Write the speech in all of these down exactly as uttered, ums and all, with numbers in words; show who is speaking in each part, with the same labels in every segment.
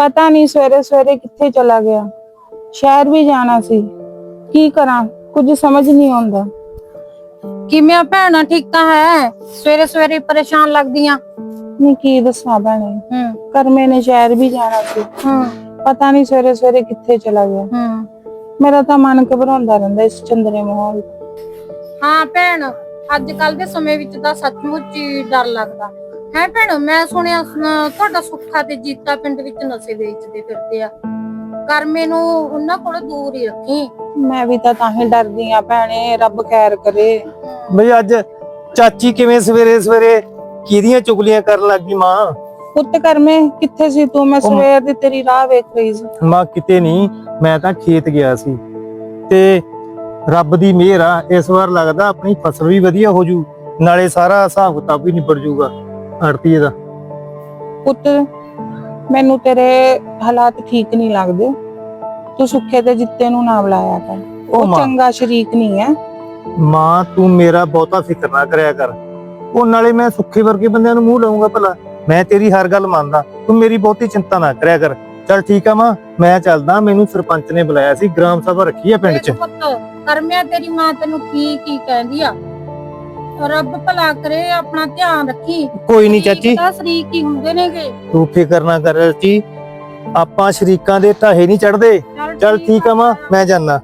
Speaker 1: पता नहीं सवेरे सवेरे कित्थे चला गया। शहर भी जाना सी, की करा कुछ समझ नहीं आंदा।
Speaker 2: किवें भैणा ठीक तां है, सवेरे सवेरे परेशान लगदियां।
Speaker 1: नहीं की दसा भैणे,
Speaker 2: हम्म
Speaker 1: करमे ने शहर भी जाना सी,
Speaker 2: हम्म
Speaker 1: पता नहीं सवेरे सवेरे कित्थे चला गया।
Speaker 2: हम्म
Speaker 1: मेरा तो मन घबराउंदा रहिंदा इस चंदरे माहौल।
Speaker 2: हाँ भैण, ਅੱਜ ਕੱਲ ਦੇ ਸਮੇਂ ਵਿੱਚ ਤਾਂ ਸੱਚਮੁੱਚ ਹੀ ਡਰ ਲੱਗਦਾ ਹੈ। ਭੈਣ ਮੈਂ ਸੁਣਿਆ ਅਹ, ਤੁਹਾਡਾ ਸੁੱਖਾ ਤੇ ਜੀਤਾ ਪਿੰਡ ਵਿੱਚ ਨਸ਼ੇ ਵੇਚਦੇ ਫਿਰਦੇ ਆ। ਕਰਮੇ ਨੂੰ ਉਹਨਾਂ ਕੋਲ ਦੂਰ ਹੀ ਰੱਖੀ।
Speaker 1: मैं भी तो ताही डरदी आ भैणे, रब खैर करे।
Speaker 3: ਬਈ ਅੱਜ ਚਾਚੀ ਕਿਵੇਂ ਸਵੇਰੇ ਸਵੇਰੇ ਕਿਹਦੀਆਂ ਚੁਗਲੀਆਂ ਕਰਨ ਲੱਗੀ ਮਾਂ?
Speaker 1: ਪੁੱਤ ਕਰਮੇ ਕਿੱਥੇ ਸੀ ਤੂੰ? ਮੈਂ ਸਵੇਰ ਦੀ ਤੇਰੀ ਰਾਹ ਵੇਖ ਰਹੀ ਸੀ।
Speaker 3: ਮਾਂ ਕਿਤੇ ਨਹੀਂ, ਮੈਂ ਤਾਂ ਖੇਤ ਗਿਆ ਸੀ ਤੇ ਰੱਬ ਦੀ ਮਿਹਰ ਆ, ਇਸ ਵਾਰ ਲੱਗਦਾ ਆਪਣੀ ਫਸਲ ਵੀ ਵਧੀਆ ਹੋ ਜੂ, ਨਾਲੇ ਸਾਰਾ ਹਿਸਾਬ ਕਿਤਾਬ ਵੀ ਨਿਬੜ ਜੂਗਾ ਆੜਤੀਏ ਦਾ।
Speaker 1: ਪੁੱਤ ਮੈਨੂੰ ਤੇਰੇ ਹਾਲਾਤ ਠੀਕ ਨਹੀਂ ਲੱਗਦੇ। ਤੂੰ ਸੁੱਖੇ ਤੇ ਜਿੱਤੇ ਨੂੰ ਨਾ ਬੁਲਾਇਆ ਕਰ, ਉਹ
Speaker 3: ਮਾਂ।
Speaker 1: ਚੰਗਾ ਸ਼ਰੀਕ ਨਹੀਂ ਹੈ।
Speaker 3: ਮਾਂ ਤੂੰ ਮੇਰਾ ਬਹੁਤਾ ਫਿਕਰ ਨਾ ਕਰਿਆ ਕਰ, ਉਹ ਨਾਲੇ ਮੈਂ ਸੁੱਖੇ ਵਰਗੇ ਬੰਦਿਆਂ ਨੂੰ ਮੂੰਹ ਲਾਉਂਗਾ ਭਲਾ? ਮੈਂ ਤੇਰੀ ਹਰ ਗੱਲ ਮੰਨਦਾ, ਤੂੰ ਮੇਰੀ ਬਹੁਤੀ ਚਿੰਤਾ ਨਾ ਕਰਿਆ ਕਰ। ਚੱਲ ਠੀਕ ਆ ਮਾਂ, ਮੈਂ ਚੱਲਦਾ, ਮੈਨੂੰ ਸਰਪੰਚ ਨੇ ਬੁਲਾਇਆ ਸੀ, ਗ੍ਰਾਮ ਸਭਾ ਰੱਖੀ ਆ ਪਿੰਡ 'ਚ।
Speaker 2: ਪੁੱਤ ਕਰਮਿਆ ਤੇਰੀ ਮਾਂ ਤੈਨੂੰ ਕੀ ਕੀ ਕਹਿੰਦੀ ਆ? ਰੱਬ ਭਲਾ ਕਰੇ, ਆਪਣਾ ਧਿਆਨ ਰੱਖੀ।
Speaker 3: ਕੋਈ ਨਹੀਂ ਚਾਚੀ,
Speaker 2: ਤਾਂ ਸ਼ਰੀਕ ਹੀ ਹੁੰਦੇ ਨੇਗੇ।
Speaker 3: ਤੂੰ ਫਿਕਰ ਨਾ ਕਰ ਚਾਚੀ, ਆਪਾਂ ਸ਼ਰੀਕਾਂ ਦੇ ਢਾਹੇ ਨਹੀਂ ਚੜਦੇ। ਚੱਲ ਠੀਕ ਆ ਮਾਂ, ਮੈਂ ਜਾਨਾ।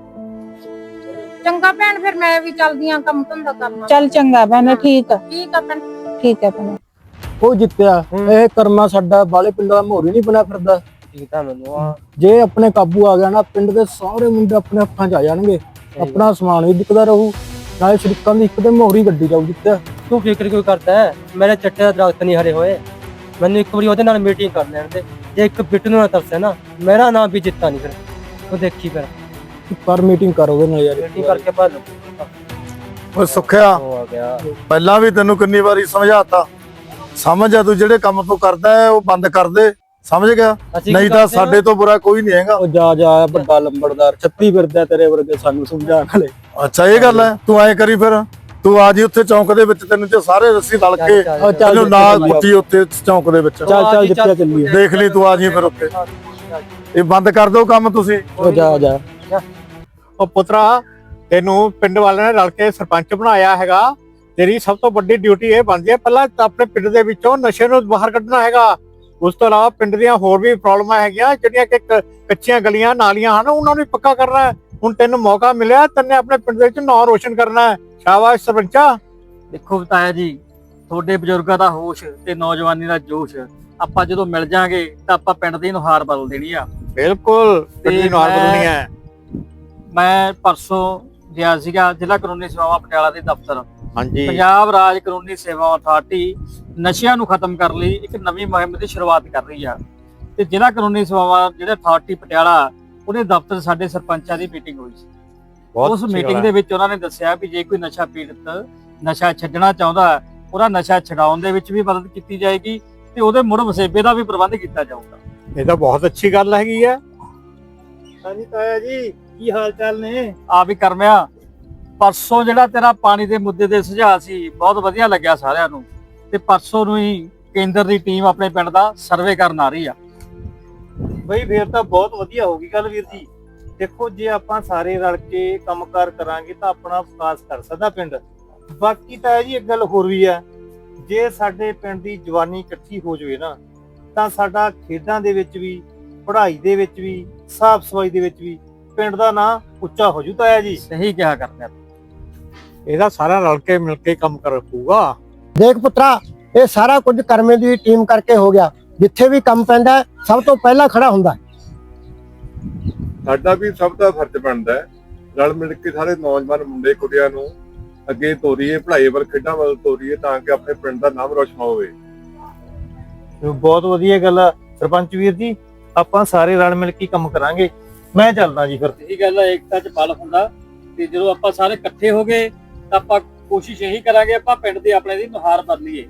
Speaker 2: ਚੰਗਾ ਭੈਣ, ਫਿਰ ਮੈਂ ਵੀ ਚੱਲਦੀ ਆਂ, ਕੰਮ ਧੰਦਾ ਕਰਨਾ।
Speaker 1: ਚੱਲ ਚੰਗਾ ਭੈਣੇ, ਠੀਕ ਆ
Speaker 2: ਠੀਕ ਆ ਭੈਣ।
Speaker 1: ਠੀਕ ਹੈ ਭੈਣੇ।
Speaker 4: ਉਹ ਜਿੱਤਿਆ, ਇਹ ਕਰਮਾ ਸਾਡਾ ਬਾਲੇ ਪਿੰਡ ਦਾ ਮੋਰੀ ਨਹੀਂ ਬਣਾ ਫਿਰਦਾ। ਜੇ ਆਪਣੇ ਕਾਬੂ ਆ ਗਿਆ ਨਾ, ਪਿੰਡ ਦੇ ਸਾਰੇ ਮੁੰਡੇ ਆਪਣੇ ਹੱਥਾਂ 'ਚ ਆ ਜਾਣਗੇ, ਆਪਣਾ ਸਮਾਨ ਵੀ ਵਿਕਦਾ ਰਹੂ, ਨਾਲੇ ਸ਼ਰੀਕਾਂ ਦੀ ਇੱਕ ਤੇ ਮੋਹਰੀ ਗੱਡੀ ਜਾਊ। ਜਿੱਤਿਆ
Speaker 5: ਤੂੰ ਫਿਕਰ ਕਿਉਂ ਕਰਦਾ ਹੈ? ਮੇਰੇ ਚੱਟੇ ਦਾ ਦਰਖਤ ਨਹੀਂ ਹਰੇ ਹੋਏ। ਮੈਨੂੰ ਇੱਕ ਵਾਰੀ ਉਹਦੇ ਨਾਲ ਮੀਟਿੰਗ ਕਰ ਲੈਣ ਦੇ। ਜੇ ਇੱਕ ਬਿੱਟੂ ਨੂੰ ਨਾ ਤਰਸੇ ਨਾ, ਮੇਰਾ ਨਾਮ ਵੀ ਜਿੱਤਾ ਨਹੀਂ। ਫਿਰ ਉਹ ਦੇਖੀ ਫਿਰ
Speaker 4: ਪਰ ਮੀਟਿੰਗ ਕਰ ਉਹਦੇ ਨਾਲ ਯਾਰ।
Speaker 5: ਮੀਟਿੰਗ ਕਰਕੇ ਭਾਲ
Speaker 6: ਓਏ ਸੁੱਖਿਆ,
Speaker 5: ਹੋ ਗਿਆ।
Speaker 6: ਪਹਿਲਾਂ ਵੀ ਤੈਨੂੰ ਕਿੰਨੀ ਵਾਰੀ ਸਮਝਾਤਾ, ਸਮਝ ਆ ਤੂੰ ਜਿਹੜੇ ਕੰਮ ਤੂੰ ਕਰਦਾ ਹੈ ਉਹ ਬੰਦ ਕਰ ਦੇ, ਸਮਝ ਗਿਆ?
Speaker 5: ਅਸੀਂ
Speaker 6: ਨਹੀਂ
Speaker 5: ਕੀ
Speaker 6: ਤਾਂ
Speaker 5: ਕਰਦੇ ਹਾਂ?
Speaker 6: ਸਾਡੇ ਤੋਂ ਬੁਰਾ ਕੋਈ ਨਹੀਂ ਹੈਗਾ।
Speaker 4: ਉਹ ਜਾ ਜਾ ਵੱਡਾ ਲੰਬੜਦਾਰ ਛੱਤੀ ਫਿਰਦਾ ਤੇਰੇ ਵਰਗੇ ਸਾਨੂੰ ਸਮਝਾਉਣ ਵਾਲੇ।
Speaker 6: ਅੱਛਾ ਇਹ ਗੱਲ ਹੈ, ਤੂੰ ਐਂ ਕਰੀ ਫਿਰ, ਤੂੰ ਆ ਜੀ ਉੱਥੇ ਚੌਂਕ ਦੇ ਵਿੱਚ, ਤੈਨੂੰ ਤੇ ਸਾਰੇ ਰੱਸੀ ਰਲ ਕੇ
Speaker 5: ਚੱਲ, ਚੱਲ,
Speaker 6: ਤੈਨੂੰ ਨਾਲ ਕੁੱਟੀ ਉੱਥੇ ਚੌਂਕ ਦੇ ਵਿੱਚ।
Speaker 4: ਚੱਲ ਚੱਲ ਜਿੱਤਿਆ ਚੱਲੀਏ।
Speaker 6: ਦੇਖ ਲਈ ਤੂੰ ਆ ਜੀ ਫਿਰ ਉੱਥੇ, ਇਹ ਬੰਦ ਕਰ ਦਿਓ ਕੰਮ ਤੁਸੀਂ।
Speaker 4: ਉਹ ਜਾ ਜਾ।
Speaker 7: ਉਹ ਪੁੱਤਰਾ, ਤੈਨੂੰ ਪਿੰਡ ਵਾਲਿਆਂ ਨੇ ਰਲ ਕੇ ਸਰਪੰਚ ਬਣਾਇਆ ਹੈਗਾ। ਤੇਰੀ ਸਭ ਤੋਂ ਵੱਡੀ ਡਿਊਟੀ ਇਹ ਬਣਦੀ ਹੈ, ਪਹਿਲਾਂ ਤਾਂ ਆਪਣੇ ਪਿੰਡ ਦੇ ਵਿੱਚੋਂ ਨਸ਼ੇ ਨੂੰ ਬਾਹਰ ਕੱਢਣਾ ਹੈਗਾ। ਉਸ ਤੋਂ ਇਲਾਵਾ ਪਿੰਡ ਦੀਆਂ ਹੋਰ ਵੀ ਪ੍ਰੋਬਲਮਾਂ ਹੈਗੀਆਂ, ਜਿਹੜੀਆਂ ਕਿ ਕੱਚੀਆਂ ਗਲੀਆਂ ਨਾਲੀਆਂ ਹਨ, ਉਹਨਾਂ ਨੂੰ ਪੱਕਾ ਕਰਨਾ ਹੈ। ਹੁਣ ਤੈਨੂੰ ਮੌਕਾ ਮਿਲਿਆ, ਤੈਨੇ ਆਪਣੇ ਪਿੰਡ ਦੇ ਵਿੱਚ ਨਾਂ ਰੋਸ਼ਨ ਕਰਨਾ ਹੈ। ਸ਼ਾਬਾਸ਼ ਸਰਪੰਚਾ।
Speaker 5: ਦੇਖੋ ਬਤਾਇਆ ਜੀ, ਤੁਹਾਡੇ ਬਜ਼ੁਰਗਾਂ ਦਾ ਹੋਸ਼ ਤੇ ਨੌਜਵਾਨੀ ਦਾ ਜੋਸ਼, ਆਪਾਂ ਜਦੋਂ ਮਿਲ ਜਾਾਂਗੇ ਤਾਂ ਆਪਾਂ ਪਿੰਡ ਦੀ ਨੁਹਾਰ ਬਦਲ ਦੇਣੀ ਆ।
Speaker 7: ਬਿਲਕੁਲ ਪਿੰਡ ਦੀ ਨੁਹਾਰ
Speaker 5: ਮੈਂ-
Speaker 7: ਬਦਲਣੀ ਹੈ।
Speaker 5: ਮੈਂ ਪਰਸੋਂ ਗਿਆ ਸੀਗਾ ਜ਼ਿਲ੍ਹਾ ਕਾਨੂੰਨੀ ਸੇਵਾਵਾਂ ਪਟਿਆਲਾ ਦੇ ਦਫ਼ਤਰ।
Speaker 7: ਹਾਂਜੀ,
Speaker 5: ਪੰਜਾਬ ਰਾਜ ਕਾਨੂੰਨੀ ਸੇਵਾਵਾਂ ਅਥਾਰਟੀ ਨਸ਼ਿਆਂ ਨੂੰ ਖਤਮ ਕਰਨ ਲਈ ਇੱਕ ਨਵੀਂ ਮੁਹਿੰਮ ਦੀ ਸ਼ੁਰੂਆਤ ਕਰ ਰਹੀ ਆ। ਤੇ ਜ਼ਿਲ੍ਹਾ ਕਾਨੂੰਨੀ ਸੇਵਾਵਾਂ ਜਿਹੜੇ ਅਥਾਰਟੀ ਪਟਿਆਲਾ, ਉਹਦੇ ਦਫ਼ਤਰ ਸਾਡੇ ਸਰਪੰਚਾਂ ਦੀ ਮੀਟਿੰਗ ਹੋਈ ਸੀ। ਉਸ ਮੀਟਿੰਗ ਦੇ ਵਿੱਚ ਉਹਨਾਂ ਨੇ ਦੱਸਿਆ ਵੀ ਜੇ ਕੋਈ ਨਸ਼ਾ ਪੀੜਤ ਨਸ਼ਾ ਛੱਡਣਾ ਚਾਹੁੰਦਾ, ਉਹਦਾ ਨਸ਼ਾ ਛਡਾਉਣ ਦੇ ਵਿੱਚ ਵੀ ਮਦਦ ਕੀਤੀ ਜਾਏਗੀ ਤੇ ਉਹਦੇ ਮੁੜ ਵਸੇਬੇ ਦਾ ਵੀ ਪ੍ਰਬੰਧ ਕੀਤਾ ਜਾਊਗਾ।
Speaker 7: ਇਹ ਤਾਂ ਬਹੁਤ ਅੱਛੀ ਗੱਲ ਹੈਗੀ ਹੈ।
Speaker 3: ਹਾਂਜੀ ਤਾਇਆ ਜੀ, ਕੀ ਹਾਲ ਚਾਲ ਨੇ?
Speaker 5: ਆ ਵੀ ਕਰਮਿਆ, ਪਰਸੋਂ ਜਿਹੜਾ ਤੇਰਾ ਪਾਣੀ ਦੇ ਮੁੱਦੇ ਦੇ ਸੁਝਾਅ ਸੀ, ਬਹੁਤ ਵਧੀਆ ਲੱਗਿਆ ਸਾਰਿਆਂ ਨੂੰ। ਤੇ ਪਰਸੋਂ ਨੂੰ ਹੀ ਕੇਂਦਰ ਦੀ ਟੀਮ ਆਪਣੇ ਪਿੰਡ ਦਾ ਸਰਵੇ ਕਰਨ ਆ ਰਹੀ ਆ।
Speaker 3: ਬਈ ਫੇਰ ਤਾਂ ਬਹੁਤ ਵਧੀਆ ਹੋ ਗਈ ਗੱਲ ਵੀਰ ਜੀ। ਦੇਖੋ ਜੇ ਆਪਾਂ ਸਾਰੇ ਰਲ ਕੇ ਕੰਮਕਾਰ ਕਰਾਂਗੇ ਤਾਂ ਆਪਣਾ ਵਿਕਾਸ ਕਰ ਸਕਦਾ ਪਿੰਡ। ਬਾਕੀ ਤਾਂ ਜੀ ਇੱਕ ਗੱਲ ਹੋਰ ਵੀ ਆ, ਜੇ ਸਾਡੇ ਪਿੰਡ ਦੀ ਜਵਾਨੀ ਇਕੱਠੀ ਹੋ ਜਾਵੇ ਨਾ, ਤਾਂ ਸਾਡਾ ਖੇਡਾਂ ਦੇ ਵਿੱਚ ਵੀ, ਪੜ੍ਹਾਈ ਦੇ ਵਿੱਚ ਵੀ, ਸਾਫ਼ ਸਫਾਈ ਦੇ ਵਿੱਚ ਵੀ ਪਿੰਡ ਦਾ ਨਾਂ ਉੱਚਾ ਹੋ ਜੂ ਤਾਇਆ ਜੀ।
Speaker 5: ਸਹੀ ਕਿਹਾ ਕਰਮਿਆ।
Speaker 7: ਇਹਦਾ ਸਾਰਾ ਰਲ ਕੇ ਮਿਲ ਕੇ ਕੰਮ ਕਰ ਪਊਗਾ।
Speaker 4: ਦੇਖ ਪੁੱਤਰਾ, ਇਹ ਸਾਰਾ ਕੁਝ ਕਰਮੇ ਦੀ ਟੀਮ ਕਰਕੇ ਹੋ ਗਿਆ। ਜਿੱਥੇ ਵੀ ਕੰਮ ਪੈਂਦਾ ਸਭ ਤੋਂ ਪਹਿਲਾਂ ਖੜਾ ਹੁੰਦਾ।
Speaker 8: ਸਾਡਾ ਵੀ ਸਭ ਦਾ ਫਰਜ਼ ਬਣਦਾ ਹੈ, ਰਲ ਮਿਲ ਕੇ ਸਾਰੇ ਨੌਜਵਾਨ ਮੁੰਡੇ ਕੁੜੀਆਂ ਨੂੰ ਅੱਗੇ ਤੋਰੀਏ, ਪੜ੍ਹਾਈ ਵੱਲ, ਖੇਡਾਂ ਵੱਲ ਤੋਰੀਏ, ਤਾਂ ਕਿ ਆਪਣੇ ਪਿੰਡ ਦਾ ਨਾਮ ਰੋਸ਼ਨ ਹੋਵੇ।
Speaker 3: ਬਹੁਤ ਵਧੀਆ ਗੱਲ ਆ ਸਰਪੰਚ ਵੀਰ ਜੀ, ਆਪਾਂ ਸਾਰੇ ਰਲ ਮਿਲ ਕੇ ਕੰਮ ਕਰਾਂਗੇ। ਮੈਂ ਚੱਲਦਾ ਜੀ ਫਿਰ।
Speaker 5: ਇਹੀ ਗੱਲ ਹੈ, ਏਕਤਾ ਚ ਬਲ ਹੁੰਦਾ। ਤੇ ਜਦੋਂ ਆਪਾਂ ਸਾਰੇ ਇਕੱਠੇ ਹੋ ਗਏ ਤਾਂ ਆਪਾਂ ਕੋਸ਼ਿਸ਼ ਇਹੀ ਕਰਾਂਗੇ, ਆਪਾਂ ਪਿੰਡ ਦੀ ਆਪਣੇ ਦੀ ਨੁਹਾਰ ਬਦਲੀਏ।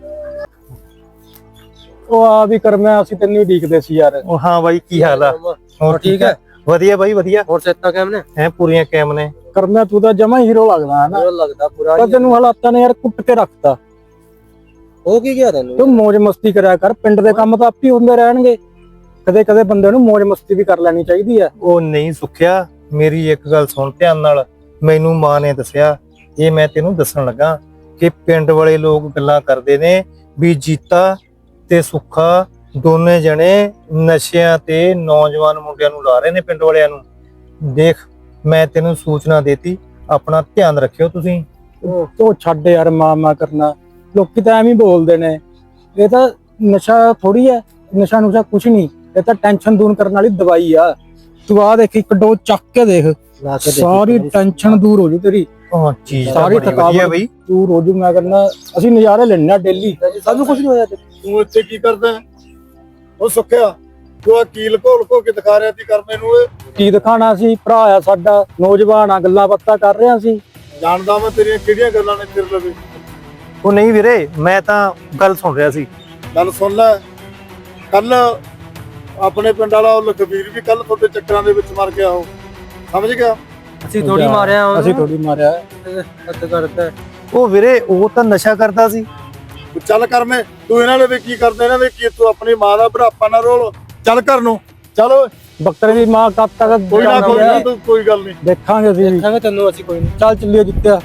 Speaker 4: ਉਹ ਆ ਵੀ ਕਰਮਾ, ਅਸੀਂ ਤੈਨੂੰ ਉਡੀਕਦੇ ਸੀ ਯਾਰ।
Speaker 3: ਉਹ ਹਾਂ ਬਾਈ, ਕੀ ਹਾਲ ਆ?
Speaker 4: ਹੋਰ ਠੀਕ ਹੈ?
Speaker 3: ਵਧੀਆ ਬਾਈ ਵਧੀਆ।
Speaker 5: ਹੋਰ ਸੇਤਾ ਕਿਵੇਂ ਨੇ?
Speaker 3: ਐ ਪੂਰੀਆਂ ਕਾਇਮ ਨੇ।
Speaker 4: ਕਰਮਾ ਤੂੰ ਤਾਂ ਜਮਾ ਹੀਰੋ ਲੱਗਦਾ ਹੈ ਨਾ।
Speaker 5: ਲੱਗਦਾ ਪੂਰਾ।
Speaker 4: ਪਰ ਤੈਨੂੰ ਹਾਲਾਤਾਂ ਨੇ ਯਾਰ ਕੁੱਟ ਕੇ ਰੱਖਤਾ।
Speaker 5: ਹੋ ਕੀ ਗਿਆ ਤੈਨੂੰ?
Speaker 4: ਤੂੰ ਮौज ਮਸਤੀ ਕਰਿਆ ਕਰ, ਪਿੰਡ ਦੇ ਕੰਮ ਤਾਂ ਆਪੇ ਹੁੰਦੇ ਰਹਿਣਗੇ। ਕਦੇ ਕਦੇ ਬੰਦੇ ਨੂੰ ਮौज ਮਸਤੀ ਵੀ ਕਰ ਲੈਣੀ ਚਾਹੀਦੀ ਹੈ।
Speaker 3: ਉਹ ਨਹੀਂ ਸੁੱਖਿਆ, ਮੇਰੀ ਇੱਕ ਗੱਲ ਸੁਣ ਧਿਆਨ ਨਾਲ। ਮੈਨੂੰ ਮਾਂ ਨੇ ਦੱਸਿਆ, ਇਹ ਮੈਂ ਤੈਨੂੰ ਦੱਸਣ ਲੱਗਾ ਕਿ ਪਿੰਡ ਵਾਲੇ ਲੋਕ ਗੱਲਾਂ ਕਰਦੇ ਨੇ ਵੀ ਜੀਤਾ ਤੇ ਸੁੱਖਾ ਦੋਨੇ ਜਣੇ ਨਸ਼ਿਆਂ ਤੇ ਨੌਜਵਾਨ ਮੁੰਡਿਆਂ ਨੂੰ ਲਾ ਰਹੇ ਨੇ ਪਿੰਡ ਵਾਲਿਆਂ ਨੂੰ। ਦੇਖ ਮੈਂ ਤੈਨੂੰ ਸੂਚਨਾ ਦੇਤੀ, ਆਪਣਾ ਧਿਆਨ ਰੱਖਿਓ ਤੁਸੀਂ।
Speaker 4: ਉਹ ਛੱਡ ਯਾਰ ਮਾਂ ਮਾਂ ਕਰਨਾ, ਲੋਕੀ ਤਾਂ ਐਵੇਂ ਹੀ ਬੋਲਦੇ ਨੇ। ਇਹ ਤਾਂ ਨਸ਼ਾ ਥੋੜੀ ਹੈ, ਨਸ਼ਾ ਨੁਸ਼ਾ ਕੁਛ ਨਹੀਂ, ਇਹ ਤਾਂ ਟੈਨਸ਼ਨ ਦੂਰ ਕਰਨ ਵਾਲੀ ਦਵਾਈ ਆ। ਤੂੰ ਆ ਦੇਖ ਇੱਕ ਡੋਜ਼ ਚੱਕ ਕੇ ਦੇਖ, ਸਾਰੀ ਟੈਨਸ਼ਨ ਦੂਰ ਹੋ ਜੂ ਤੇਰੀ,
Speaker 3: ਹਾਂ ਚੀਜ਼
Speaker 4: ਸਾਰੀ ਥਕਾਵਟ
Speaker 3: ਬਈ
Speaker 4: ਦੂਰ ਹੋ ਜੂ। ਮੈਂ ਕਹਿੰਦਾ ਅਸੀਂ ਨਜ਼ਾਰੇ ਲੈਣੇ ਆ ਡੇਲੀ, ਸਾਨੂੰ ਕੁਛ ਨਹੀਂ ਹੋਇਆ।
Speaker 6: ਤੂੰ ਇੱਥੇ ਕੀ ਕਰਦਾ ਹੈ? ਉਹ ਸੁੱਖਿਆ ਤੂੰ ਆ ਕੀ ਲਕੋ ਲਕੋ ਕੇ ਦਿਖਾ ਰਿਹਾ ਸੀ ਕਰਮੇ ਨੂੰ? ਇਹ
Speaker 4: ਕੀ ਦਿਖਾਣਾ ਸੀ, ਭਰਾ ਆ ਸਾਡਾ, ਨੌਜਵਾਨ ਆ, ਗੱਲਾਂ ਬਾਤਾਂ ਕਰ ਰਿਹਾ ਸੀ।
Speaker 6: ਜਾਣਦਾ ਮੈਂ ਤੇਰੀਆਂ ਕਿਹੜੀਆਂ ਗੱਲਾਂ ਨੇ ਤੇਰੇ ਲਵੇ।
Speaker 3: ਉਹ ਨਹੀਂ ਵੀਰੇ, ਮੈਂ ਤਾਂ ਗੱਲ ਸੁਣ ਰਿਹਾ ਸੀ।
Speaker 6: ਗੱਲ ਸੁਣ ਲੈ, ਕੱਲ ਆਪਣੇ ਪਿੰਡ ਵਾਲਾ ਉਹ ਲਖਬੀਰ ਵੀ ਕੱਲ ਤੁਹਾਡੇ ਚੱਕਰਾਂ ਦੇ ਵਿੱਚ ਮਰ ਗਿਆ, ਉਹ ਸਮਝ ਗਿਆ?
Speaker 4: ਅਸੀਂ ਥੋੜੀ ਮਾਰਿਆ ਅਸੀਂ ਥੋੜੀ ਮਾਰਿਆ ਹੱਦ ਕਰਦਾ।
Speaker 3: ਉਹ ਵੀਰੇ ਉਹ ਤਾਂ ਨਸ਼ਾ ਕਰਦਾ ਸੀ।
Speaker 6: ਤੂੰ ਚੱਲ ਕਰਮੇ, ਤੂੰ ਇਹਨਾਂ ਦੇ ਵੀ ਕੀ ਕਰਦਾ, ਇਹਨਾਂ ਦੇ ਕੀ, ਤੂੰ ਆਪਣੀ ਮਾਂ ਦਾ ਬੁਢਾਪਾ ਨਾ ਰੋਲ, ਚੱਲ ਘਰ ਨੂੰ ਚੱਲ। ਓਏ
Speaker 4: ਬੱਕਰੇ ਦੀ ਮਾਂ ਕਦ ਤੱਕ
Speaker 6: ਕੋਈ ਨਾ ਕੋਈ ਨਾ, ਤੂੰ ਕੋਈ ਗੱਲ ਨਹੀਂ,
Speaker 4: ਦੇਖਾਂਗੇ ਅਸੀਂ ਦੇਖਾਂਗੇ ਤੈਨੂੰ, ਅਸੀਂ ਕੋਈ ਨਹੀਂ। ਚੱਲ ਚੱਲੀਏ ਜਿੱਤਿਆ।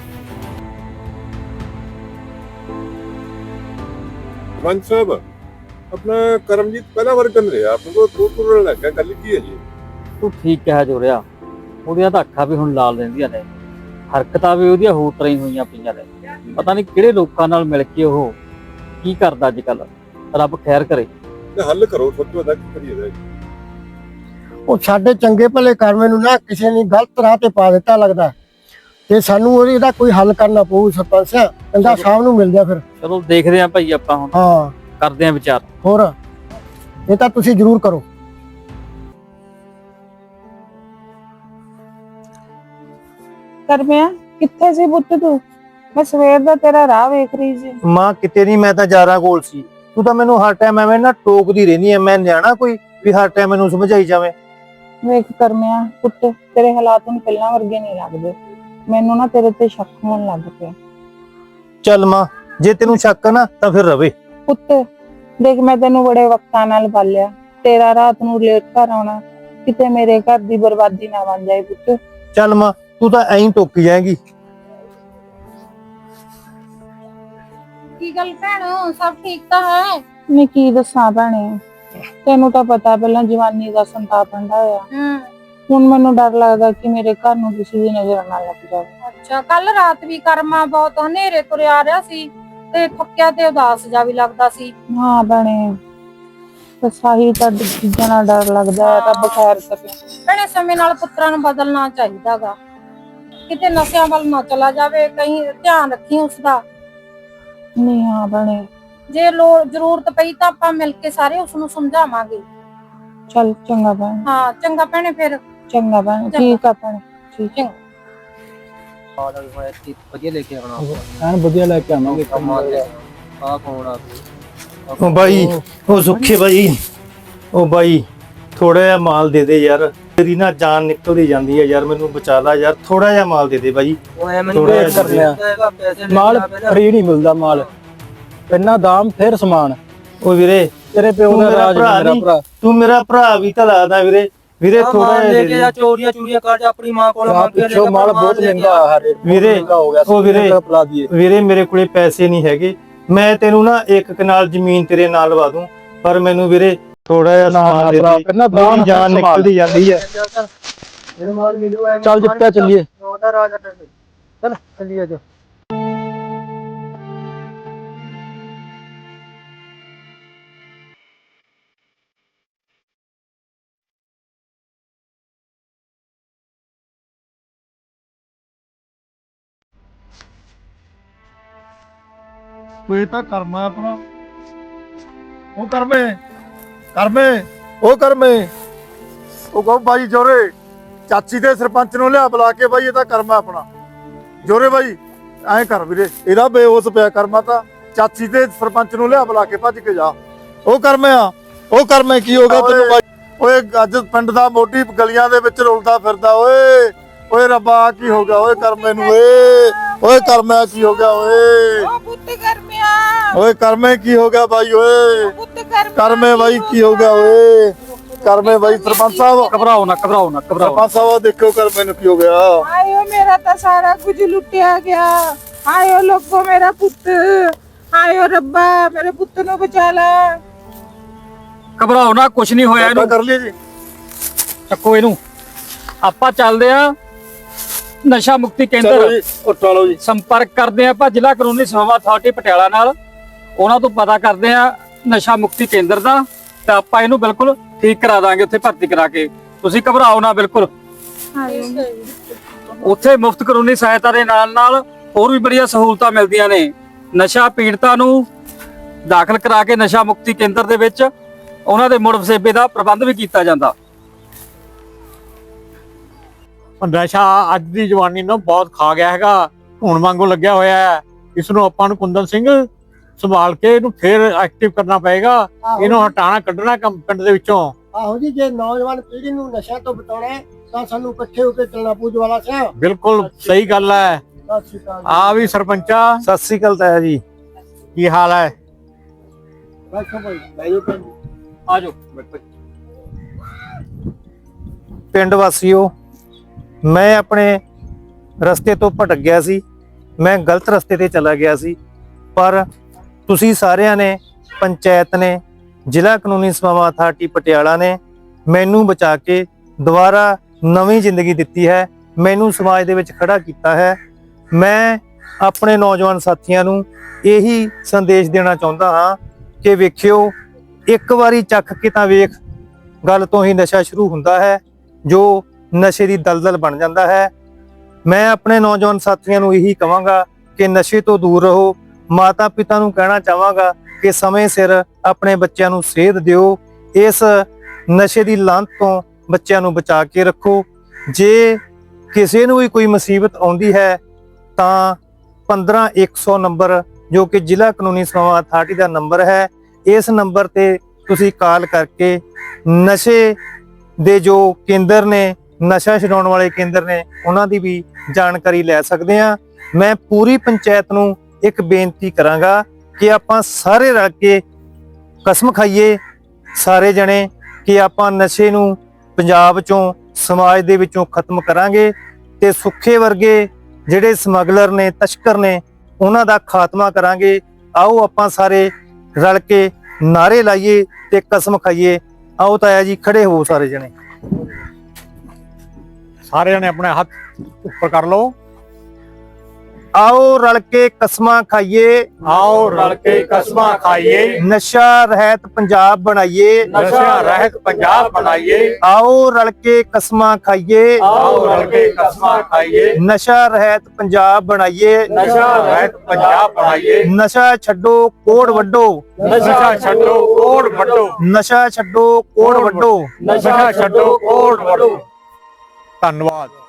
Speaker 8: ਸਰਪੰਚ ਸਾਹਿਬ, ਆਪਣਾ ਕਰਮਜੀਤ ਪਹਿਲਾ ਵਾਰ ਕੰਨ ਰਿਹਾ, ਆਪਣੇ ਕੋਲ ਦੂਰ ਦੂਰ ਲੱਗਾ, ਗੱਲ ਕੀ ਹੈ ਜੀ?
Speaker 5: ਤੂੰ ਠੀਕ ਕਿਹਾ ਜੋ ਰਿਹਾ, ਉਹਦੀਆਂ ਤਾਂ ਅੱਖਾਂ ਵੀ ਹੁਣ ਲਾਲ ਰਹਿੰਦੀਆਂ ਨੇ, ਹਰਕਤਾਂ ਵੀ ਉਹਦੀਆਂ ਹੋਰ ਤਰ੍ਹਾਂ ਹੀ ਹੋਈਆਂ ਪਈਆਂ ਨੇ। ਪਤਾ ਨਹੀਂ ਕਿਹੜੇ ਲੋਕਾਂ ਨਾਲ ਮਿਲ ਕੇ ਉਹ ਕੀ ਕਰਦਾ ਅੱਜ ਕੱਲ। ਰੱਬ ਖੈਰ ਕਰੇ।
Speaker 8: ਤੇ ਹੱਲ ਕਰੋ, ਸੋਚੋ ਦਾ ਕੀ ਕਰੀਏ ਦਾ।
Speaker 9: ਉਹ ਸਾਡੇ ਚੰਗੇ ਭਲੇ ਕਰਮੇ ਨੂੰ ਨਾ ਕਿਸੇ ਨੇ ਗਲਤ ਰਾਹ ਤੇ ਪਾ ਦਿੱਤਾ ਲੱਗਦਾ, ਤੇ ਸਾਨੂੰ ਉਹਦੀ ਇਹਦਾ ਕੋਈ ਹੱਲ ਕਰਨਾ ਪਊ। ਸਰਪੰਚ ਸਾਹਿਬ ਕਹਿੰਦਾ ਸ਼ਾਮ ਨੂੰ ਮਿਲਦੇ ਆ ਫਿਰ।
Speaker 5: ਚਲੋ ਦੇਖਦੇ ਆਂ ਭਾਈ, ਆਪਾਂ ਹੁਣ
Speaker 9: ਹਾਂ
Speaker 5: ਕਰਦੇ ਆਂ ਵਿਚਾਰ।
Speaker 9: ਹੋਰ ਇਹ ਤਾਂ ਤੁਸੀਂ ਜ਼ਰੂਰ ਕਰੋ।
Speaker 1: ਕਰਮਿਆ ਕਿੱਥੇ ਸੀ ਪੁੱਤ ਤੂੰ? ਮੈਂ ਸਵੇਰ ਦਾ ਤੇਰਾ ਰਾਹ ਵੇਖ ਰਹੀ ਸੀ।
Speaker 3: ਮਾਂ ਕਿਤੇ ਨਹੀਂ, ਮੈਂ ਤਾਂ ਜਾਰਾ ਕੋਲ ਸੀ। ਤੂੰ ਤਾਂ ਮੈਨੂੰ ਹਰ ਟਾਈਮ ਐਵੇਂ ਨਾ ਟੋਕਦੀ ਰਹਿੰਦੀ ਐ। ਮੈਂ ਨਿਆਣਾ ਕੋਈ ਵੀ ਹਰ ਟਾਈਮ ਮੈਨੂੰ ਸਮਝਾਈ ਜਾਵੇ?
Speaker 1: ਵੇਖ ਕਰਮਿਆ ਪੁੱਤ, ਤੇਰੇ ਹਾਲਾਤ ਹੁਣ ਪਹਿਲਾਂ ਵਰਗੇ ਨਹੀਂ ਲੱਗਦੇ। ਮੈਨੂੰ ਨਾ ਤੇਰੇ ਤੇ ਸ਼ੱਕ ਹੋਣ ਲੱਗ ਪਿਆ।
Speaker 3: ਚੱਲ ਮਾਂ, ਜੇ ਤੈਨੂੰ ਸ਼ੱਕ ਆ ਨਾ ਤਾਂ ਫਿਰ ਰਵੇ।
Speaker 1: ਪੁੱਤ ਦੇਖ, ਮੈਂ ਤੈਨੂੰ ਬੜੇ ਵਕਤਾਂ ਨਾਲ ਪਾਲਿਆ, ਤੇਰਾ ਰਾਤ ਨੂੰ ਲੇਟ ਘਰ ਆਉਣਾ ਕਿਤੇ ਮੇਰੇ ਘਰ ਦੀ ਬਰਬਾਦੀ ਨਾ ਬਣ ਜਾਏ ਪੁੱਤ।
Speaker 3: ਚੱਲ ਮਾਂ, ਤੂੰ ਤਾਂ ਐਂ ਟੋਕੀ ਜਾਏਗੀ।
Speaker 2: ਕੀ ਗੱਲ ਭੈਣ, ਸਭ ਠੀਕ ਤਾਂ ਹੈ?
Speaker 1: ਮੈਂ ਕੀ ਦੱਸਾਂ ਭੈਣੇ, ਤੈਨੂੰ ਤਾਂ ਪਤਾ ਪਹਿਲਾਂ ਜਵਾਨੀ ਦਾ ਸੰਤਾਪ ਹੰਡਾ ਹੋਇਆ।
Speaker 2: ਹੂੰ।
Speaker 1: ਹੁਣ ਮੈਨੂੰ ਡਰ ਲੱਗਦਾ ਕਿ ਮੇਰੇ ਘਰ ਨੂੰ ਕਿਸੇ ਦੀ ਨਜ਼ਰ ਨਾ ਲੱਗ ਜਾਵੇ।
Speaker 2: ਅੱਛਾ, ਕੱਲ ਰਾਤ ਵੀ ਕਰਮਾ ਬਹੁਤ ਹਨੇਰੇ ਤੁਰਿਆ ਆ ਰਿਹਾ ਸੀ ਤੇ ਥੱਕਿਆ ਤੇ ਉਦਾਸ ਜਾ ਵੀ ਲੱਗਦਾ ਸੀ।
Speaker 1: ਹਾਂ ਭੈਣੇ, ਬਸ ਆਹੀ ਤਾਂ ਚੀਜ਼ਾਂ ਨਾਲ ਡਰ ਲੱਗਦਾ ਹੈ। ਰੱਬ ਖੈਰ ਕਰੇ।
Speaker 2: ਭੈਣੇ ਸਮੇਂ ਨਾਲ ਪੁੱਤਰਾਂ ਨੂੰ ਬਦਲਣਾ ਚਾਹੀਦਾਗਾ, ਕਿਤੇ ਨਸ਼ਿਆਂ ਵੱਲ ਨਾ ਚਲਾ ਜਾਵੇ। ਕहीं ਧਿਆਨ ਰੱਖੀ ਉਸਦਾ।
Speaker 1: ਨਹੀਂ ਹਾਂ ਭੈਣੇ,
Speaker 2: ਜੇ ਲੋੜ ਜ਼ਰੂਰਤ ਪਈ ਤਾਂ ਆਪਾਂ ਮਿਲ ਕੇ ਸਾਰੇ ਉਸ ਨੂੰ ਸਮਝਾਵਾਂਗੇ।
Speaker 1: ਚੱਲ ਚੰਗਾ ਭੈਣੇ।
Speaker 2: ਹਾਂ ਚੰਗਾ ਭੈਣੇ, ਫਿਰ
Speaker 1: ਚੰਗਾ ਭੈਣੇ, ਠੀਕ ਆ ਭੈਣੇ, ਠੀਕ ਹੈ।
Speaker 4: ਵਧੀਆ ਲੈ ਕੇ ਆਉਣਾ, ਐਨ ਵਧੀਆ ਲੈ ਕੇ ਆਵਾਂਗੇ। ਆ ਕੌਣ ਆ?
Speaker 3: ਉਹ ਬਾਈ, ਉਹ ਸੁੱਖੇ ਬਾਈ, ਉਹ ਬਾਈ ਥੋੜਾ ਜਿਹਾ ਮਾਲ ਦੇ ਦੇ ਯਾਰ। ਤੇਰੀ ਨਾ ਜਾਨ ਨਿਕਲਦੀ ਜਾਂਦੀ ਹੈ ਯਾਰ, ਮੈਨੂੰ ਬਚਾ ਲੈ ਯਾਰ। ਥੋੜਾ ਜਿਹਾ ਮਾਲ ਦੇ ਦੇ ਬਾਈ।
Speaker 4: ਥੋੜਾ ਜਿਹਾ ਕਰ ਲਿਆ ਮਾਲ, ਫਰੀ ਨਹੀਂ ਮਿਲਦਾ ਮਾਲ, ਇੰਨਾ ਦਾਮ ਫਿਰ ਸਮਾਨ।
Speaker 3: ਉਹ ਵੀਰੇ
Speaker 4: ਤੇਰੇ ਪਿਓ ਦਾ ਰਾਜ ਮੇਰਾ ਭਰਾ,
Speaker 3: ਤੂੰ ਮੇਰਾ ਭਰਾ ਵੀ ਤਾਂ ਲੱਗਦਾ ਵੀਰੇ। ਵੀਰੇ ਥੋੜਾ ਜਿਹਾ ਦੇ ਦੇ।
Speaker 4: ਚੋਰੀਆਂ ਚੋਰੀਆਂ ਕਰ ਜਾ ਆਪਣੀ ਮਾਂ ਕੋਲ ਮੰਗ ਕੇ ਲੈ। ਮਾਲ ਬਹੁਤ ਮਹਿੰਗਾ ਆ ਹਰੇ
Speaker 3: ਵੀਰੇ।
Speaker 4: ਹੋ ਗਿਆ
Speaker 3: ਉਹ ਵੀਰੇ,
Speaker 4: ਪਲਾ ਦਈਏ
Speaker 3: ਵੀਰੇ ਮੇਰੇ ਕੋਲੇ ਪੈਸੇ ਨਹੀਂ ਹੈਗੇ। ਮੈਂ ਤੈਨੂੰ ਨਾ ਇੱਕ ਕਨਾਲ ਜ਼ਮੀਨ ਤੇਰੇ ਨਾਲ ਲਵਾ ਦੂੰ, ਪਰ ਮੈਨੂੰ ਵੀਰੇ ਥੋੜਾ ਜਿਹਾ ਸਮਾਨ ਦੇ ਦੇ।
Speaker 4: ਕਿੰਨਾ
Speaker 3: ਮੇਰੀ ਜਾਨ ਨਿਕਲਦੀ ਜਾਂਦੀ ਹੈ।
Speaker 4: ਚੱਲ ਜਿੱਤਿਆ ਚੱਲੀਏ। ਚੱਲ ਚੱਲੀਏ ਜੋ।
Speaker 6: ਕੋਈ ਤਾਂ ਕਰਮਾ ਆਪਣਾ। ਉਹ ਕਰਮੇ ਕਰਮੇ ਉਹ ਕਰਮੇ ਉਹ ਕਹੋ ਬਾਈ ਜੋਰੇ, ਚਾਚੀ ਦੇ ਸਰਪੰਚ ਨੂੰ ਲਿਆ ਬੁਲਾ ਕੇ। ਬਾਈ ਇਹ ਤਾਂ ਕਰਮਾ ਆਪਣਾ। ਜੋਰੇ ਬਾਈ ਐਂ ਕਰ ਵੀਰੇ, ਇਹਦਾ ਬੇਹੋਸ਼ ਪਿਆ ਕਰਮਾ ਤਾਂ। ਚਾਚੀ ਦੇ ਸਰਪੰਚ ਨੂੰ ਲਿਆ ਬੁਲਾ ਕੇ, ਭੱਜ ਕੇ ਜਾ। ਉਹ ਕਰਮੇ ਆ, ਉਹ ਕਰਮੇ ਕੀ ਹੋ ਗਿਆ ਤੈਨੂੰ ਬਾਈ? ਓਏ ਅੱਜ ਪਿੰਡ ਦਾ ਮੋਢੀ ਗਲੀਆਂ ਦੇ ਵਿੱਚ ਰੁਲਦਾ ਫਿਰਦਾ। ਓਏ ਓਏ ਰੱਬਾ ਕੀ ਹੋ ਗਿਆ ਓਏ ਕਰਮੇ ਨੂੰ? ਓਏ ਓਏ ਕਰਮੇ ਕੀ ਹੋ ਗਿਆ ਓਏ?
Speaker 1: ਓ ਪੁੱਤ ਕਰਮਿਆ,
Speaker 6: ਓਏ ਕਰਮੇ ਕੀ ਹੋ ਗਿਆ ਬਾਈ? ਓਏ
Speaker 1: ਪੁੱਤ ਕਰਮਿਆ,
Speaker 6: ਕਰਮੇ ਬਾਈ ਕੀ ਹੋ ਗਿਆ ਓਏ? ਕਰਮੇ ਬਾਈ ਸਰਪੰਚ ਸਾਹਿਬ
Speaker 5: ਘਬਰਾਓ ਨਾ ਘਬਰਾਓ ਨਾ ਘਬਰਾਓ
Speaker 6: ਸਰਪੰਚ ਸਾਹਿਬ ਦੇਖੋ ਕਰਮੇ ਨੂੰ ਕੀ ਹੋ ਗਿਆ।
Speaker 1: ਆਇਓ ਮੇਰਾ ਤਾਂ ਸਾਰਾ ਕੁਝ ਲੁੱਟਿਆ ਗਿਆ। ਆਇਓ ਲੋਕੋ ਮੇਰਾ ਪੁੱਤ, ਆਇਓ ਰੱਬਾ ਮੇਰੇ ਪੁੱਤ ਨੂੰ ਬਚਾ ਲੈ।
Speaker 5: ਘਬਰਾਓ ਨਾ, ਕੁਝ ਨਹੀਂ ਹੋਇਆ
Speaker 6: ਆਪਾਂ
Speaker 5: ਇਹਨੂੰ।
Speaker 6: ਕਰ ਲਈਏ ਜੀ।
Speaker 5: ਚੱਕੋ ਇਹਨੂੰ, ਆਪਾਂ ਚੱਲਦੇ ਆ ਨਸ਼ਾ ਮੁਕਤੀ
Speaker 6: ਚਲੋ
Speaker 5: ਕੇਂਦਰ,
Speaker 6: ਜੀ ਉੱਠ ਲਓ ਜੀ।
Speaker 5: ਸੰਪਰਕ ਕਰਦੇ ਆ ਆਪਾਂ ਜ਼ਿਲ੍ਹਾ ਕਾਨੂੰਨੀ ਸੇਵਾਵਾਂ ਅਥਾਰਟੀ ਪਟਿਆਲਾ ਨਾਲ। ਉਹਨਾਂ ਤੋਂ ਪਤਾ ਕਰਦੇ ਆ ਨਸ਼ਾ ਮੁਕਤੀ ਕੇਂਦਰ ਦਾ, ਤੇ ਆਪਾਂ ਇਹਨੂੰ ਬਿਲਕੁਲ ਠੀਕ ਕਰਾ ਦਾਂਗੇ ਉੱਥੇ ਭਰਤੀ ਕਰਾ ਕੇ। ਤੁਸੀਂ ਘਬਰਾਓ ਨਾ ਬਿਲਕੁਲ। ਉੱਥੇ ਮੁਫਤ ਕਾਨੂੰਨੀ ਸਹਾਇਤਾ ਦੇ ਨਾਲ ਨਾਲ ਹੋਰ ਵੀ ਬੜੀਆਂ ਸਹੂਲਤਾਂ ਮਿਲਦੀਆਂ ਨੇ। ਨਸ਼ਾ ਪੀੜਤਾਂ ਨੂੰ ਦਾਖਲ ਕਰਾ ਕੇ ਨਸ਼ਾ ਮੁਕਤੀ ਕੇਂਦਰ ਦੇ ਵਿੱਚ ਉਹਨਾਂ ਦੇ ਮੁੜ ਵਸੇਬੇ ਦਾ ਪ੍ਰਬੰਧ ਵੀ ਕੀਤਾ ਜਾਂਦਾ।
Speaker 7: ਨਸ਼ਾ ਅੱਜ ਦੀ ਜਵਾਨੀ ਨੂੰ ਬਹੁਤ ਖਾ ਗਿਆ ਹੈਗਾ, ਹੁਣ ਵਾਂਗੂ ਲੱਗਿਆ ਹੋਇਆ ਹੈ। ਇਸ ਨੂੰ ਆਪਾਂ ਨੂੰ ਕੁੰਦਨ ਸਿੰਘ ਸੰਭਾਲ ਕੇ ਇਹਨੂੰ ਫੇਰ ਐਕਟਿਵ ਕਰਨਾ ਪਏਗਾ। ਇਹਨੂੰ ਹਟਾਣਾ ਕੱਢਣਾ ਕੰਮ ਪਿੰਡ ਦੇ ਵਿੱਚੋਂ।
Speaker 9: ਆਹੋ ਜੀ, ਜੇ ਨੌਜਵਾਨ ਪੀੜ੍ਹੀ ਨੂੰ ਨਸ਼ਾ ਤੋਂ ਬਚਾਉਣਾ ਹੈ ਤਾਂ ਸਾਨੂੰ ਇਕੱਠੇ ਹੋ ਕੇ ਚੱਲਣਾ ਪਊ ਜਵਾਲਾ ਸਾਹਿਬ।
Speaker 7: ਬਿਲਕੁਲ ਸਹੀ ਗੱਲ ਹੈ।
Speaker 9: ਸਤਿ ਸ਼੍ਰੀ ਅਕਾਲ ਜੀ।
Speaker 7: ਆ ਵੀ ਸਰਪੰਚਾ,
Speaker 3: ਸਤਿ ਸ੍ਰੀ ਅਕਾਲ ਤਾਇਆ ਜੀ।
Speaker 7: ਕੀ ਹਾਲ ਹੈ?
Speaker 9: ਬੈਠੋ ਭਾਈ, ਬੈਠੋ ਭਾਈ।
Speaker 5: ਆ ਜਾਓ।
Speaker 3: ਪਿੰਡ ਵਾਸੀਓ, ਮੈਂ ਆਪਣੇ ਰਸਤੇ ਤੋਂ ਭਟਕ ਗਿਆ ਸੀ। ਮੈਂ ਗਲਤ ਰਸਤੇ ਤੇ ਚਲਾ ਗਿਆ ਸੀ, ਪਰ ਤੁਸੀਂ ਸਾਰਿਆਂ ਨੇ, ਪੰਚਾਇਤ ਨੇ, ਜ਼ਿਲ੍ਹਾ ਕਾਨੂੰਨੀ ਸੇਵਾਵਾਂ ਅਥਾਰਟੀ ਪਟਿਆਲਾ ਨੇ ਮੈਨੂੰ ਬਚਾ ਕੇ ਦੁਬਾਰਾ ਨਵੀਂ ਜ਼ਿੰਦਗੀ ਦਿੱਤੀ ਹੈ। ਮੈਨੂੰ ਸਮਾਜ ਦੇ ਵਿੱਚ ਖੜਾ ਕੀਤਾ ਹੈ। ਮੈਂ ਆਪਣੇ ਨੌਜਵਾਨ ਸਾਥੀਆਂ ਨੂੰ ਇਹੀ ਸੰਦੇਸ਼ ਦੇਣਾ ਚਾਹੁੰਦਾ ਹਾਂ ਕਿ ਵੇਖਿਓ, ਇੱਕ ਵਾਰੀ ਚੱਖ ਕੇ ਤਾਂ ਵੇਖ, ਗੱਲ ਤੋਂ ਹੀ ਨਸ਼ਾ ਸ਼ੁਰੂ ਹੁੰਦਾ ਹੈ ਜੋ ਨਸ਼ੇ ਦੀ ਦਲਦਲ ਬਣ ਜਾਂਦਾ ਹੈ। ਮੈਂ ਆਪਣੇ ਨੌਜਵਾਨ ਸਾਥੀਆਂ ਨੂੰ ਇਹੀ ਕਹਾਂਗਾ ਕਿ ਨਸ਼ੇ ਤੋਂ ਦੂਰ ਰਹੋ। ਮਾਤਾ ਪਿਤਾ ਨੂੰ ਕਹਿਣਾ ਚਾਹਾਂਗਾ ਕਿ ਸਮੇਂ ਸਿਰ ਆਪਣੇ ਬੱਚਿਆਂ ਨੂੰ ਸੇਧ ਦਿਓ। ਇਸ ਨਸ਼ੇ ਦੀ ਲਾਂਤ ਤੋਂ ਬੱਚਿਆਂ ਨੂੰ ਬਚਾ ਕੇ ਰੱਖੋ। ਜੇ ਕਿਸੇ ਨੂੰ ਵੀ ਕੋਈ ਮੁਸੀਬਤ ਆਉਂਦੀ ਹੈ ਤਾਂ ਪੰਦਰਾਂ ਇੱਕ ਸੌ ਨੰਬਰ, ਜੋ ਕਿ ਜ਼ਿਲ੍ਹਾ ਕਾਨੂੰਨੀ ਸੇਵਾਵਾਂ ਅਥਾਰਟੀ ਦਾ ਨੰਬਰ ਹੈ, ਇਸ ਨੰਬਰ ਤੇ ਤੁਸੀਂ ਕਾਲ ਕਰਕੇ ਨਸ਼ੇ ਦੇ ਜੋ ਕੇਂਦਰ ਨੇ, ਨਸ਼ਾ ਛਡਾਉਣ ਵਾਲੇ ਕੇਂਦਰ ਨੇ, ਉਹਨਾਂ ਦੀ ਵੀ ਜਾਣਕਾਰੀ ਲੈ ਸਕਦੇ ਆ। ਮੈਂ ਪੂਰੀ ਪੰਚਾਇਤ ਨੂੰ ਇੱਕ ਬੇਨਤੀ ਕਰਾਂਗਾ ਕਿ ਆਪਾਂ ਸਾਰੇ ਰਲ ਕੇ ਕਸਮ ਖਾਈਏ, ਸਾਰੇ ਜਣੇ, ਕਿ ਆਪਾਂ ਨਸ਼ੇ ਨੂੰ ਪੰਜਾਬ ਚੋਂ, ਸਮਾਜ ਦੇ ਵਿੱਚੋਂ ਖਤਮ ਕਰਾਂਗੇ ਤੇ ਸੁੱਖੇ ਵਰਗੇ ਜਿਹੜੇ ਸਮਗਲਰ ਨੇ, ਤਸਕਰ ਨੇ, ਉਹਨਾਂ ਦਾ ਖਾਤਮਾ ਕਰਾਂਗੇ। ਆਓ ਆਪਾਂ ਸਾਰੇ ਰਲ ਕੇ ਨਾਰੇ ਲਾਈਏ ਤੇ ਕਸਮ ਖਾਈਏ। ਆਓ ਤਾਇਆ ਜੀ, ਖੜੇ ਹੋ ਸਾਰੇ ਜਣੇ।
Speaker 7: ਸਾਰੇ ਜਣੇ ਆਪਣੇ ਹੱਥ ਉੱਪਰ ਕਰ ਲਓ।
Speaker 3: ਆਓ ਰਲ ਕੇ ਕਸਮਾਂ ਖਾਈਏ,
Speaker 7: ਆਓ ਰਲ ਕੇ ਕਸਮਾਂ ਖਾਈਏ,
Speaker 3: ਨਸ਼ਾ ਰਹਿਤ ਪੰਜਾਬ ਬਣਾਈਏ।
Speaker 7: ਨਸ਼ਾ ਰਹਿਤ ਪੰਜਾਬ ਬਣਾਈਏ।
Speaker 3: ਆਓ ਰਲ ਕੇ ਕਸਮਾਂ ਖਾਈਏ,
Speaker 7: ਆਓ ਰਲ ਕੇ ਕਸਮਾਂ ਖਾਈਏ,
Speaker 3: ਨਸ਼ਾ ਰਹਿਤ ਪੰਜਾਬ ਬਣਾਈਏ।
Speaker 7: ਨਸ਼ਾ ਰਹਿਤ ਪੰਜਾਬ ਬਣਾਈਏ।
Speaker 3: ਨਸ਼ਾ ਛੱਡੋ, ਕੋੜ ਵੱਢੋ।
Speaker 7: ਨਸ਼ਾ ਛੱਡੋ, ਕੋੜ ਵੱਢੋ।
Speaker 3: ਨਸ਼ਾ ਛੱਡੋ, ਕੋੜ ਵੱਢੋ।
Speaker 7: ਨਸ਼ਾ ਛੱਡੋ, ਕੋੜ ਵੱਢੋ। ਧੰਨਵਾਦ।